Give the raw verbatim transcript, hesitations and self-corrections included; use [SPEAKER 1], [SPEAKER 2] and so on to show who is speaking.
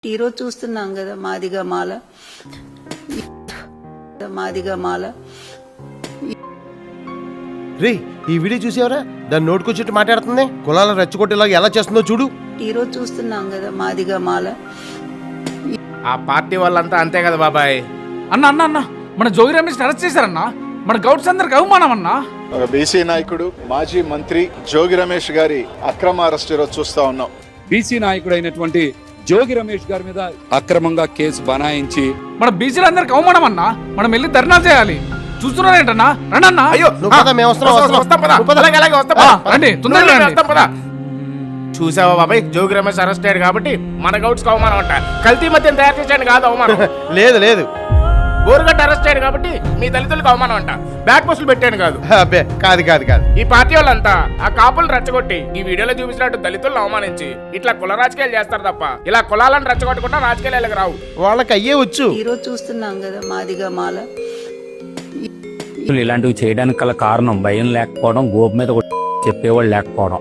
[SPEAKER 1] ఈరోజు చూస్తున్నాం కదా మాదిగా మాల మాదిగా మాల
[SPEAKER 2] రే ఈ వీడియో చూసేవరా దాన్ని నోటుకొచ్చేట్టు మాట్లాడుతుంది కులాల రెచ్చగొట్టేలాగా ఎలా చేస్తుందో చూడు.
[SPEAKER 1] ఈరోజు చూస్తున్నాం కదా మాదిగా మాల.
[SPEAKER 3] ఆ పార్టీ వాళ్ళంతా అంతే కదా బాబాయ్.
[SPEAKER 4] అన్న అన్న అన్న మన జోగి రమేష్ అరెస్ట్ చేశారన్నా. మన గౌడ్స్ అందరికి అవమానం అన్నా.
[SPEAKER 5] ఒక బీసీ నాయకుడు మాజీ మంత్రి జోగి రమేష్ గారి అక్రమ అరెస్ట్ ఈరోజు చూస్తా ఉన్నాం.
[SPEAKER 6] బీసీ నాయకుడు అయినటువంటి జోగి రమేష్ గారి మీద అక్రమంగా కేసు బనాయించి
[SPEAKER 4] మన బీసీలందరికి అవమానం అన్నా. మనం వెళ్ళి ధర్నా చేయాలి. చూస్తున్నారేంటన్నా రండన్నా.
[SPEAKER 3] అయ్యో
[SPEAKER 2] నువ్వు పద, మేము వస్తున్నాం, వస్తున్నాం.
[SPEAKER 3] వస్తాం పద.
[SPEAKER 2] నువ్వు పద.
[SPEAKER 3] అలాగే, అలాగే వస్తాం
[SPEAKER 4] ఆ,
[SPEAKER 3] పద.
[SPEAKER 4] రండి, తొందరగా
[SPEAKER 3] నువ్వు
[SPEAKER 4] రండి.
[SPEAKER 3] వస్తాం పద. చూసావా బాబాయ్, జోగి రమేష్ అరెస్ట్ అయ్యాడు కాబట్టి మన గౌడ్స్ అవమానం అంట. కల్తీ మధ్యం తయారు చేసాడు కాదు అవమానం.
[SPEAKER 2] లేదు లేదు
[SPEAKER 3] బోరుగట్ట అరెస్ట్ అయ్యాడు కాబట్టి మీ దళితులకు అవమానం అంట. బ్యాక్ పోస్టులు పెట్టాను కాదు.
[SPEAKER 2] అబ్బే కాదు కాదు కాదు
[SPEAKER 3] ఈ పార్టీ వాళ్ళంతా ఆ కాపులను రెచ్చగొట్టి ఈ వీడియోలో చూపించినట్టు దళితులను అవమానించి ఇట్లా కుల రాజకీయాలు చేస్తారు తప్ప ఇలా కులాలను రెచ్చగొట్టకుండా రాజకీయాలకు రావు.
[SPEAKER 2] వాళ్ళకి అయ్యే వచ్చు.
[SPEAKER 1] ఈరోజు చూస్తున్నాం కదా మాదిగా మాల.
[SPEAKER 7] ఇలాంటివి చేయడానికి గల కారణం భయం లేకపోవడం, గోపు మీద చెప్పేవాళ్ళు లేకపోవడం.